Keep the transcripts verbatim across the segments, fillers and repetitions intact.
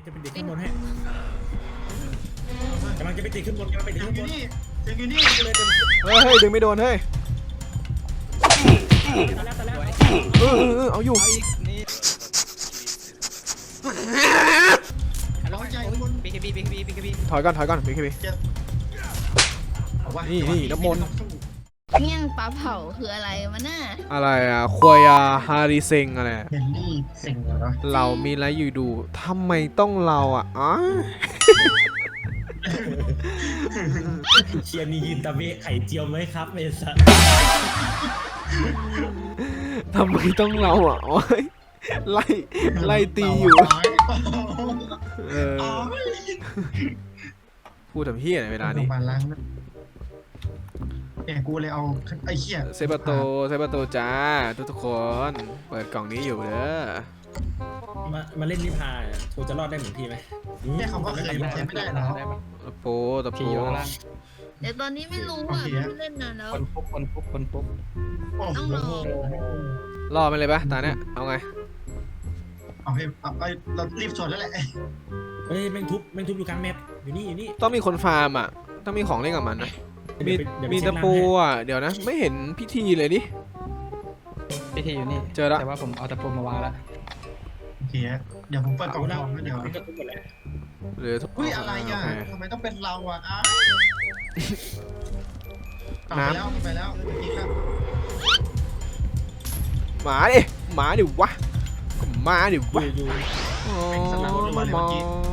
จะไปติดขึ้นบนให้กำลังจะไปติดขึ้นบนกำลังไปติดขึ้นบนเสียงอยู่นี่เลยเต็มเฮ้ยเฮ้ยดึงไม่โดนเฮ้ยตอนแรกตอนแรกเออเออเอาอยู่เอาอีกนี่ร้อยใจบนบีเคบีบีเคบีบีเคบีถอยก่อนถอยก่อนพี่พี่นี่นี่น้ำมนต์เมี่ยงปลาเผาคืออะไรวะน่ะอะไรอ่ะควยาฮาริเซงอะไรเฮนรี่เซ็งเหรอเรามีอะไรอยู่ดูทำไมต้องเราอ่ะอ๋อเชียร์มียืนตะเบะไข่เจียวไหมครับเมสันทำไมต้องเราอ่ะโอ้ยไล่ไล่ตีอยู่เออพูดทำเฮี้ยในเวลานี้มาล้างเนี่ยกูเลยเอาไอ้เหี้ยเซปโตเซปโตจ้าทุกทุกคนเปิดกล่องนี้อยู่เด้อมามาเล่นนิพาโทจะรอดได้เหมือนพี่ไหมแค่คำว่าเคยมันใช้ไม่ได้หรอได้ปะตะโปตะโปขี่อยู่ข้างล่างเดี๋ยวตอนนี้ไม่รู้อ่ะไม่เล่นนานแล้วคนปุ๊บคนปุ๊บคนปุ๊บโอ้โหรอดไปเลยปะตาเนี้ยเอาไงเอาให้เอาไปเรารีบชนแล้วแหละเฮ้ยแม่งทุบแม่งทุบอยู่กลางแมปอยู่นี่อยู่นี่ต้องมีคนฟาร์มอ่ะต้องมีของเล่นกับมันนะมีมีตะปูอ่ะเดี๋ยวนะไม่เห็นพิธีเลยดิพิธีอยู่นี่เจอละแต่ว่าผมเอาตะปูมาวางแล้วโอเคเดี๋ยวผมเปิดกล่องทองแล้วเดี๋ยวก็ทุบหมดแล้วหรือเฮ้ยอะไรอ่ะโเคทำไมต้องเป็นเราอ่ะอ้าวไปแล้วไปแล้วพี่ครับหมาดิหมาดิวะก็หมาดิวะอยู่อ๋อมามอง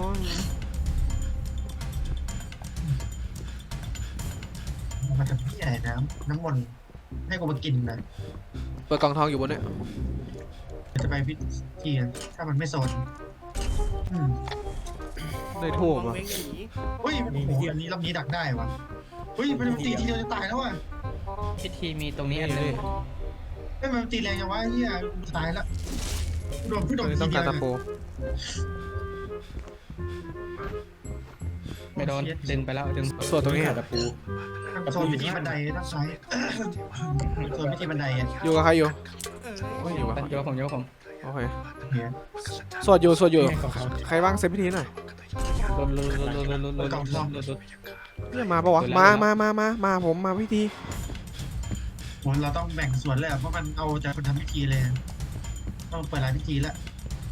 มาทำพี่ใหญ่น้ำน้ำมนต์ให้กูมากินนะเปิดกล่องทองอยู่บนเนี้ยจะไปพิธีถ้ามันไม่โซนอืมได้ทูบอ่ะเฮ้ยโอ้โหอันนี้รอบนี้ดักได้วะเฮ้ยมันตีทีเดียวจะตายแล้วอ่ะพิธีมีตรงนี้อันหนึงเฮ้ยมันตีแรงจังวะเฮียตายแล้วโดนพี่โดนทีต้องเดีกาย รวตะปูไม่โดนดึงไปแล้วดึงส่วนตรงนี้ขาตะปูโซนพิธีบันไดด้านซ้ายโซนพิธีบันไดอ่ะอยู่กับใครอยู่ไม่อยู่วะโยกผมโยกผมโอเคเฮียสวดอยู่สวดอยู่ของเขาใครว่างเซฟพิธีหน่อยลุนลุนลุนลุนลุนลุนลุนลุนเนี่ยมาปะวะมามามามามาผมมาพิธีโหเราต้องแบ่งส่วนเลยเพราะมันเอาจากคนทำพิธีเลยต้องเปิดรายพิธีแล้ว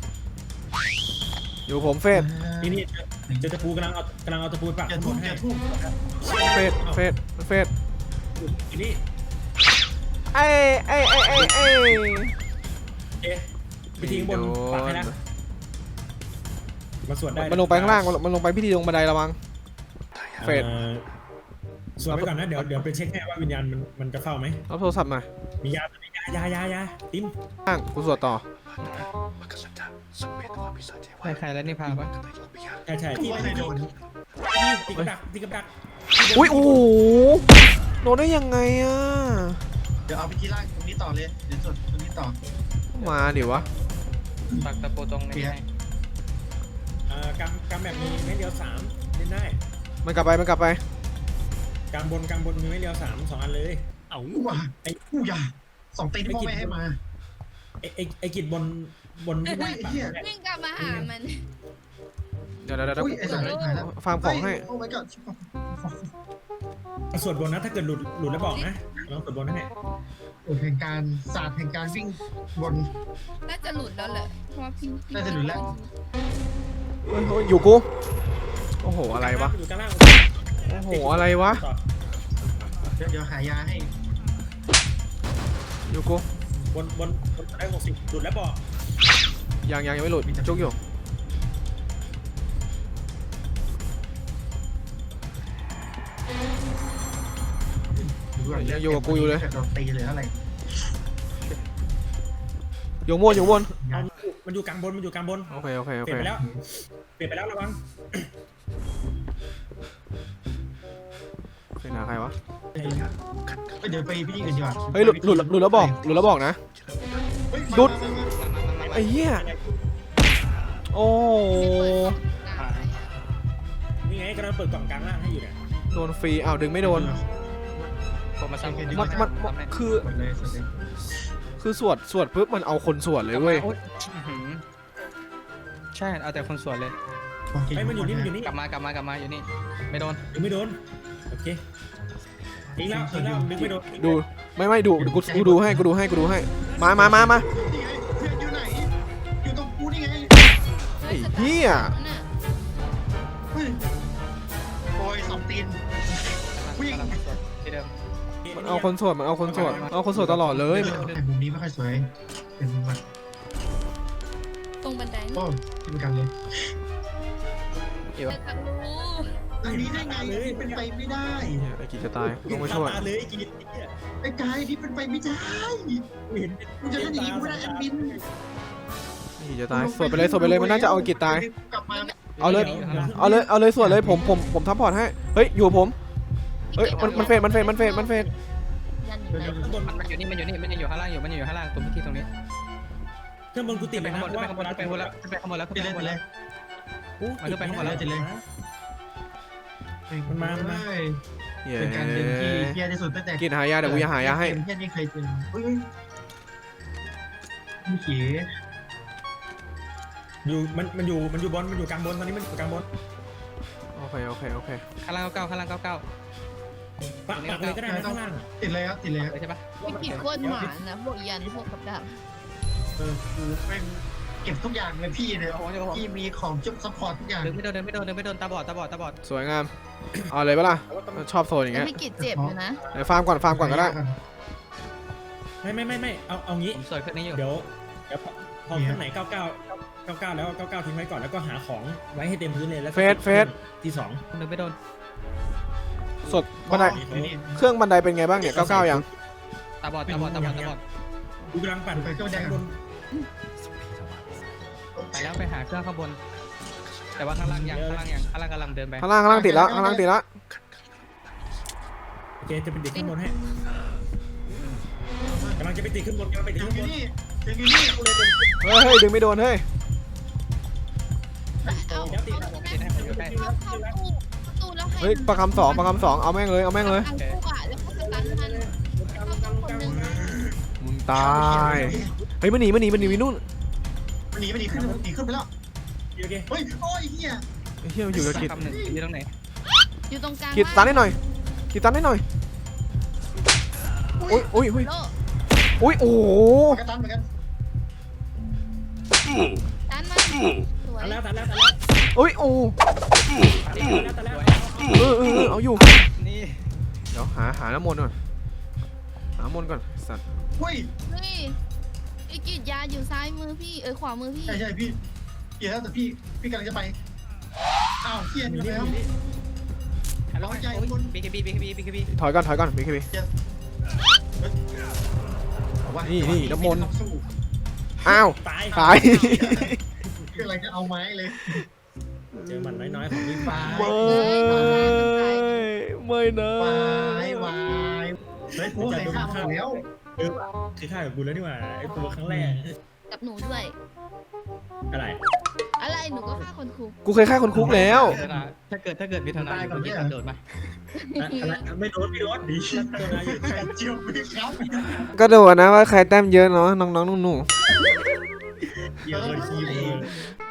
อยู่ผมเฟสที่นี่เจอตะปูกำลังเอากำลังเอาตะปูปักอย่าหมทุ่มดอให้ย่าทุ่มเฟสเฟสเฟสอยู่นี่ไอ้ไอ้ไอ้ไอ้ไอ้เอ๊ะไปทิ้งบนปักให้นะมาสวดได้มันลงไปข้างล่างมันลงไปพิธีลงบันไดระวัง เฟสสวดไปก่อนนะเดี๋ยวเดี๋ยวไปเช็คให้ว่าวิญญาณมันมันจะเฝ้าไหมรับโทรศัพท์มามียามียายายายาติ้มข้างกูสวดต่อใครใครแล้วนี่พาปะใช่ใช่กูที่ว่าไม่เคได้ยโดนตีกับดักตีกับดักอุ้ยโอ้โหโดนได้ยังไงอ่ะเดี๋ยวเอาพิธีล่างตรงนี้ต่อเลยเดี๋ยวส่วนตรงนี้ต่อมาดิวะปักตะปูตรงนี้ให้อ่ากำกำแบบมีไม่เดียวสามเล่นได้มันกลับไปมันกลับไปกำบนกำบนมีไม่เดียวสามสองอันเลยเอ้ากูว่าไอ้กูอย่าสองตีที่พ่อแม่ให้มาไอไอไอกิจบนบนที่อุ้ยเฮียวิ่งกลับมาหามันเดี๋ยวเดี๋ยวเดี๋ยวอุ้ยไอ้สัตว์หายแล้วฟาร์มของให้โอ้ my god สวดบนนะถ้าเกิดหลุดหลุดแล้วบอกนะลองสวดบนให้โอ้แห่งการศาสตร์แห่งการวิ่งบนน่าจะหลุดแล้วแหละเพราะว่าพี่น่าจะหลุดแล้วเฮ้ยเฮ้ยอยู่กูโอ้โหอะไรวะอยู่กลางล่างโอ้โหอะไรวะเดี๋ยวเดี๋ยวหายาให้อยู่กูบนบนบนได้หกสิบหลุดแล้วบอกยังยังยังไม่หลุดจุกอยู่ ยังอยู่กับกูอยู่เลยโดนตีเลยอะไรอยู่บนอยู่บนเอามันอยู่กลางบนมันอยู่กลางบนโอเคโอเคโอเปลี่เคยนไปแล้วเปลี่ยนไปแล้วระวังเป็นหาใครวะไปเดี๋ยวไปพี่อื่นดีกว่าเฮ้ยหลุดหลุดหลุดแล้วบอกหลุดแล้วบอกนะเฮ้ยหลุดมามามาไอ้เหี้ยโอ้นี่ไงกำลังเปิดกล่องกลางล่างให้อยู่เนี่ยโดนฟรีอ้าวดึงไม่โดนผมมาสั่งมันมันมันคือหมดเลยสุดเลยคือสวดสวดปุ๊บมันเอาคนสวดเลยเว้ยใช่เอาแต่คนสวนเลยไอ้มันอยู่นี่มันอยู่นี่กลับมากลับมากลับมาอยู่นี่ไม่โดนดึงไม่โดนโอเคอีกแล้วอีกแล้วดึงไม่โดนดูไม่ไม่ดูกูกูดูให้กูดูให้กูดูให้มามามามาเพื่อนอยู่ไหนอยู่ตรงกูนี่ไงไอ้เหี้ยเฮ้ยโอ้ยสองตีน วิ่งที่เดิมมันเอาคนโสดมันเอาคนโสดเอาคนโสดตลอดเลยแต่มุมนี้ไม่ค่อยสวยเป็นมุมแบบตรงบันไดโอ้ที่เป็นกันเลยเอวจะทะลุอันนี้ได้ไงเป็นไปไม่ได้เนี่ยไอ้กิจจะตายต้องมาช่วยตาเลยกินเนี่ยไอ้กายนี่เป็นไปไม่ได้เห็นมึงจะเล่นอย่างนี้กูไม่ได้แอดมินไอ้กิจจะตายสวดไปเลยสวดไปเลยมันน่าจะเอากิจตายกลับมาเอาเลยเอาเลยเอาเลยสวดเลยผมผมผมทัพพอร์ตให้เฮ้ยอยู่กับผมเฮ้ยมันมันเฟดมันเฟดมันเฟดมันเฟดยันอยู่ไหนข้างบนมันอยู่นี่มันอยู่นี่มันอยู่ข้างล่างอยู่มันอยู่ข้างล่างตรงที่ตรงนี้ข้างบนกูติดไปไปข้างนะบนไปข้างบนไปข้างบนแล้วไปข้างบนแล้วติดเลยติดเลยมันขึ้นไปข้างบนแล้วติดเลยมันมามันมาเฮ้ยเย้เป็นการเดินที่เฮียที่สุดตั้งแต่กิจหายาเดี๋ยวกูจะหายาให้เฮียนี่เคยเจอเฮ้ยมีเขียอยู่มันมันอยู่มันอยู่บนมันอยู่กลางบนตอนนี้มันอยู่กลางบนโอเคโอเคโอเคข้างล่างเก้าข้างล่างเก้าเก้าปักปักเลยก็ได้นะข้างล่างติดเลยครับติดเลยครับใช่ปะไม่กี่โคตรหมานะพวกยันพวกกับดักเออกูแม่งเก็บทุกอย่างเลยพี่เนี่ยพี่มีของจุ๊บซัพพอร์ตทุกอย่างเดินไม่โดนเดินไม่โดนเดินไม่โดนตาบอดตาบอดตาบอดสวยงามเอาเลยปะล่ะชอบโซนอย่างแล้วเงี้ยพี่กิจเจ็บอยู่นะไหนฟาร์มก่อนฟาร์มก่อนก็ได้ไม่ไม่ไม่ไม่เอาเอางี้ผมสวยขึ้นนี้อยู่เดี๋ยวเดี๋ยวพอพอข้างไหนเก้าเก้าเก้าเก้าแล้วเก้าเก้าทิ้งไว้ก่อนแล้วก็หาของไว้ให้เต็มพื้นเลยแล้วที่สองเดินไม่โดนสดบันไดเครื่องบันไดเป็นไงบ้างเนี่ยเก้าเก้ายังตาบอดตาบอดตาบอดตาบอดกูกำลังปั่นไปก็ได้บนไปแล้วไปหาเครื่องข้างบน แต่ว่าข้างล่างยังข้างล่างยังข้างล่างกำลังเดินไปข้างล่างข้างล่างติดแล้วข้างล่างติดแล้วโอเคจะเป็นเด็กขึ้นบนให้กำลังจะไปติดขึ้นบนกำลังไปติดถึงขึ้นอบ ยู่นนี่ถึงอยู่นี่กูเลยเป็นเฮ้ยเฮ้ยดึงไม่โดนเฮ้ยเอาเดี๋ยวติดเอาเข้าเข้าตู้ตู้แล้วให้เฮ้ยประคำสองประคำสองเอาแม่งเลยเอาแม่งเลยทางตู้อะแล้วก็สตันมันเข้าตู้คนหนึ่งนะมึงตายเฮ้ยมันหนีมันหนีมันหนีไปนู่นมันหนีมันหนีขึ้นหนีขึ้นไปแล้วโอเคเฮ้ยโอ้ยเฮียไอ้เหี้ยมันอยู่กับกิจคำหนึ่งอยู่ตรงไหนอยู่ตรงกลางกิจตันได้หน่อยกิจตันได้หน่อยอุ้ยอุ้ยอุ้ยโลอุ้ยโอ้โหกระตันเหมือนกันตันมันสวยตัดแล้วตัดแล้วตัดแล้วอุ้ยโอ้ตัดแล้วตัดแล้วเออเออเออเอาอยู่นี่เดี๋ยวหาหาน้ำมนต์ก่อนหาน้ำมนต์ก่อนสัตว์เฮ้ยเฮ้ยพี่กิจยาอยู่ซ้ายมือพี่เออขวามือพี่ใช่ใช่พี่เฮียแล้วแต่พี่พี่กำลังจะไปอ้าวเฮียอมียู่นี่แล้วอยู่นี่ฮัลโหลบีเคบีบีเคบีบีเคบีถอยก่อนถอยก่อนพี่คี นี่นี่น้ำมนต์ อ้าวตายตายคืออะไรจะเอาไม้เลยเจอมันน้อยๆของพี่ฟ้าไม่ไม่นะวายวายเฮ้ยกูเคยฆ่ามาแล้วเออคือฆ่ากับกูแล้วนี่หว่าไอ้ตัวครั้งแรกกับหนูด้วยอะไรอะไรหนูก็ฆ่าคนคุกกูเคยฆ่าคนคุกแล้วถ้าเกิดถ้าเกิดมีทนายคุณจะโดดไหมอะไรไม่โดนไม่โดนดีตัวนายอยู่ไข่เจียวมีครับก็ดูนะว่าใครแต้มเยอะเนาะน้องๆหนูเยอะเลยทีเลย